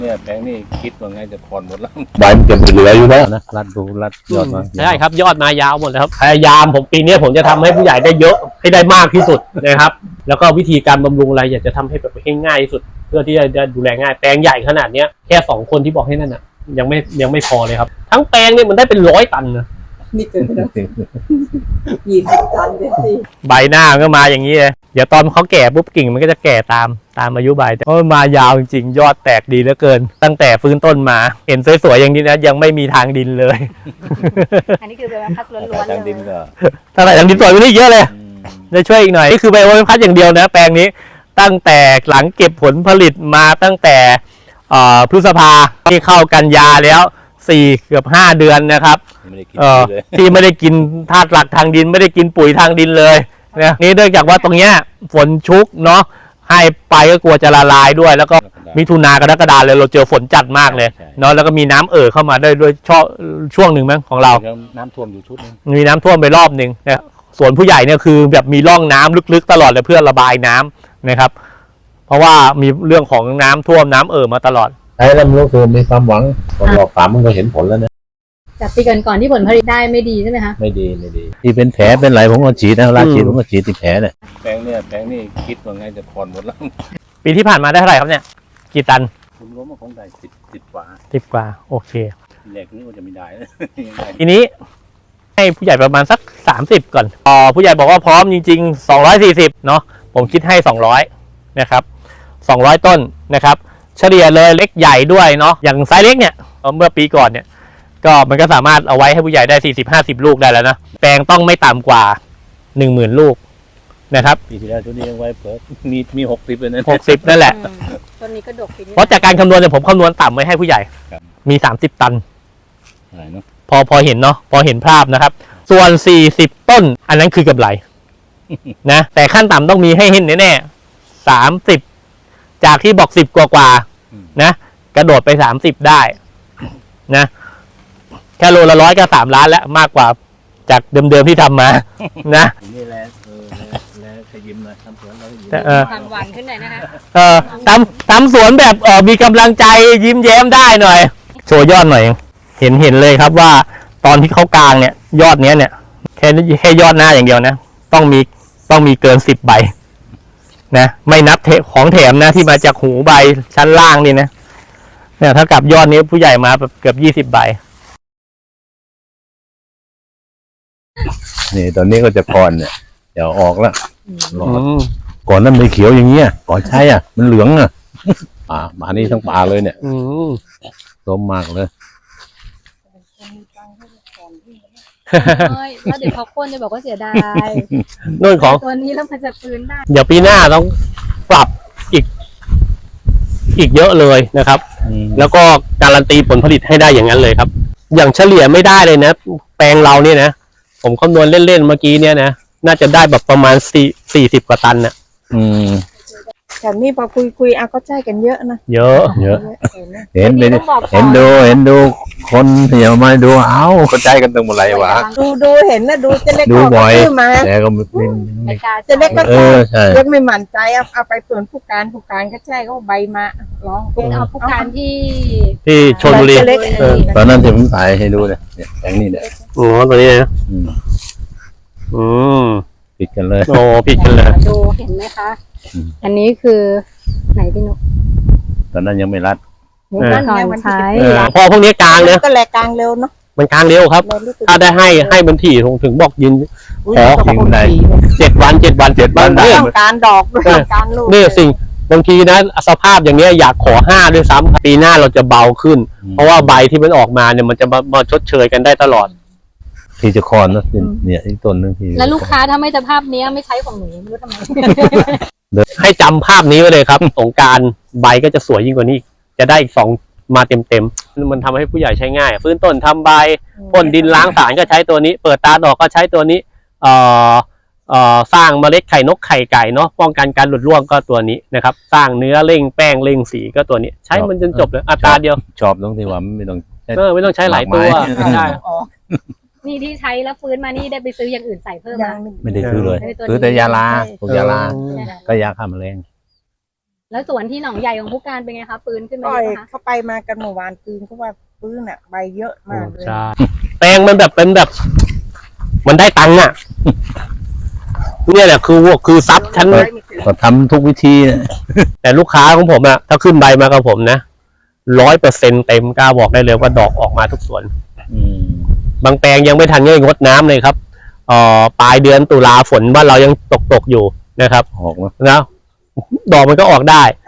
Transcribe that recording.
เนี่ยแปลงนี่คิดว่าไงจะผ่อนหมดแล้วใบมันจะเหลืออยู่แล้วนะรัดยอดมาใช่ครับยอดมายาวหมดแล้วครับพยายามผมปีนี้ผมจะทำให้ผู้ใหญ่ได้เยอะให้ได้มากที่สุดนะครับแล้วก็วิธีการบำรุงอะไรอยากจะทำให้แบบให้ง่ายที่สุดเพื่อที่จะดูแลง่ายแปลงใหญ่ขนาดเนี้ยแค่2 คนที่บอกให้นั่นอ่ะยังไม่พอเลยครับทั้งแปลงเนี่ยมันได้เป็น100 ตันนะนี่เกินไปแล้ว20 ตันเลยสิใบหน้าก็มาอย่างนี้เลยเดี๋ยวตอนเขาแก่ปุ๊บกิ่งมันก็จะแก่ตามอายุใบเพราะมันมายาวจริงๆยอดแตกดีเหลือเกินตั้งแต่ฟื้นต้นมาเห็นสวยๆอย่างนี้นะยังไม่มีทางดินเลยอันนี้คือใบพัดล้วนๆเลยดินก็ถ้าไหร่ทางดินสวยไปนี่เยอะเลยจะช่วยอีกหน่อยนี่คือใบพัดอย่างเดียวนะแปลงนี้ตั้งแต่หลังเก็บผลผลิตมาตั้งแต่พฤษภาที่เข้ากันยาแล้วเกือบ5 เดือนนะครับที่ไม่ได้กินธาตุหลักทางดินไม่ได้กินปุ๋ยทางดินเลยนะนี่เนื่องจากว่าตรงเนี้ยฝนชุกเนาะให้ไปก็กลัวจะละลายด้วยแล้วก็มิถุนากรกฎาเลยเราเจอฝนจัดมากเลยเนาะแล้วก็มีน้ำเข้ามาได้ด้วยช่วงหนึ่งมั้งของเราน้ำท่วมอยู่ชุดนึงมีน้ำท่วมไปรอบหนึ่งนะส่วนผู้ใหญ่เนี่ยคือแบบมีร่องน้ำลึกๆตลอดเลยเพื่อระบายน้ำนะครับเพราะว่ามีเรื่องของน้ำท่วมน้ำมาตลอดไอ้แล้วมันก็คือมีความหวังตอนรอบ3มันก็เห็นผลแล้วนะจากปีก่อนที่ผลผลิตได้ไม่ดีใช่ไหมคะไม่ดีที่เป็นแผลเป็นไรผมก็ฉีดนะราฉีดผมก็ฉีดที่แผลเนี่ยแปลงนี่คิดว่าไงจะผ่อนหมดแล้วปีที่ผ่านมาได้เท่าไหร่ครับเนี่ยกี่ตันคุณล้มมาคงได้10 กว่า 10 กว่าโอเคแรกนี่มันจะไม่ได้ทีนี้ให้ผู้ใหญ่ประมาณสัก30ก่อนผู้ใหญ่บอกว่าพร้อมจริงๆ240เนาะผมคิดให้200นะครับ200 ต้นนะครับเฉลี่ยเลยเล็กใหญ่ด้วยเนาะอย่างไซส์เล็กเนี่ยเมื่อปีก่อนเนี่ยก็มันก็สามารถเอาไว้ให้ผู้ใหญ่ได้40-50 ลูกได้แล้วนะแปลงต้องไม่ต่ำกว่า 10,000 ลูกนะครับปีที่แล้วตัวนี้ยังไว้เพิ่มมี60เลยนะ 60นั่นแหละต้นนี้ก็ดกปีนี้เพราะจากการคำนวณเนี่ยผมคำนวณต่ำไว้ให้ผู้ใหญ่มี30 ตันพอเห็นเนาะพอเห็นภาพนะครับส่วน40 ต้นอันนั้นคือกำไรนะแต่ขั้นต่ำต้องมีให้เห็นแน่ๆ30จากที่บอก10 กว่านะกระโดดไป30ได้นะแค่โลละ100ก็3 ล้านแล้วมากกว่าจากเดิมๆที่ทำมานะนี่แหละแล้วขยิ้มหน่อยทำสวนเราความหวานขึ้นหน่อยนะคะทำสวนแบบมีกำลังใจยิ้มแย้มได้หน่อยโชว์ยอดหน่อยเห็นเลยครับว่าตอนที่เขากลางเนี่ยยอดเนี้ยเนี่ยแค่ยอดหน้าอย่างเดียวนะต้องมีเกิน10 ใบนะไม่นับของแถมนะที่มาจากหูใบชั้นล่างนี่นะเนี่ยถ้ากับยอดนี้ผู้ใหญ่มาแบบเกือบ20 ใบนี่ตอนนี้ก็จะก่อนเนี่ยเดี๋ยวออกแล้วก่อนนั้นไม่เขียวอย่างเงี้ยก่อนใช่อ่ะมันเหลืองอ่ะมานี่ทั้งป่าเลยเนี่ยต้มมากเลยแล้วเดี๋ยวเขาคนจะบอกว่าเสียดายนู่นของตัวนี้แล้วมันจะฟื้นได้เดี๋ยวปีหน้าต้องปรับอีกเยอะเลยนะครับแล้วก็การันตีผลผลิตให้ได้อย่างนั้นเลยครับอย่างเฉลี่ยไม่ได้เลยนะแปลงเราเนี่ยนะผมคำนวณเล่นๆเมื่อกี้เนี่ยนะน่าจะได้แบบประมาณ40 กว่าตันน่ะแต่นี่พอคุยก็ใช่กันเยอะนะเยอะเห็นดูคนเหี่ยวมาดูเข้าใจกันตรงหมดเลยวะดูเห็นนะดูจะเล็กดูบ่อยแต่ก็จะเล็กก็เล็กไม่หมั่นใจเอาไปส่วนผู้การก็ใช่ก็ใบมาร้องเอาผู้การที่ชลบุรีตอนนั้นที่ผมถ่ายให้ดูเนี่ยอย่างนี้เนี่ยโอ้ตัวนี้นะผิดกันเลยผิดกันเลยดูเห็นไหมคะอันนี้คือไหนพี่นุ๊กตอนนั้นยังไม่รัดก่อนใช้พอพวกนี้กลางเลยก็แหลกกลางเร็วเนาะมันกลางเร็วครับถ้าได้ให้มันถี่ถึงบอกยินขอทิ้งได้ 7 วันเนี่ยการดอกด้วยการลูกนี่สิ่งบางทีนะสภาพอย่างเงี้ยอยากขอ5ด้วยซ้ำปีหน้าเราจะเบาขึ้นเพราะว่าใบที่มันออกมาเนี่ยมันจะมาชดเชยกันได้ตลอดที่จะคอนนะเนี่ยอีกต้นนึงที่แล้วลูกค้าถ้าไม่สภาพนี้ไม่ใช้ของหนูไม่รู้ทำไมให้จำภาพนี้ไว้เลยครับสงกรานต์ใบก็จะสวยยิ่งกว่านี้จะได้อีก2มาเต็มมันทำให้ผู้ใหญ่ใช้ง่ายฟื้นต้นทำใบพ่นดินล้างสารก็ใช้ตัวนี้เปิดตาดอกก็ใช้ตัวนี้สร้างเมล็ดไข่นกไข่ไก่เนาะป้องกันการหลุดร่วงก็ตัวนี้นะครับสร้างเนื้อเร่งแป้งเร่งสีก็ตัวนี้ใช้มันจนจบเลยอัตราเดียวชอบตรงที่ว่าไม่ต้องใช้หลายตัวใช่นี่ที่ใช้แล้วฟื้นมานี่ได้ไปซื้ออย่างอื่นใส่เพิ่มไม่ได้ซื้อเลยซื้อแต่ยาลาพวกยาลาก็ยาฆ่าแมลงแล้วสวนที่หนองใหญ่ของผู้การเป็นไงคะปืนขึ้นมาปล่เยอยอะไหมคะเข้าไปมากันเมื่อวานปืนเขาว่าปืนอ่ะใบเยอะมากเลยใช่แปลงมันแบบเป็นแบบ มันได้ตังค์อ่ะเนี่ยแหละคือทรัพย์ชั้นก็ทำทุกวิธีนะแต่ลูกค้าของผมอะถ้าขึ้นใบมากับผมนะ100%เต็มกล้าบอกได้เลยว่าดอกออกมาทุกสวนอืมบางแปลงยังไม่ทันได้งดน้ำเลยครับปลายเดือนตุลาฝนบ้านเรายังตกอยู่นะครับออกมานะดอกมันก็ออกได้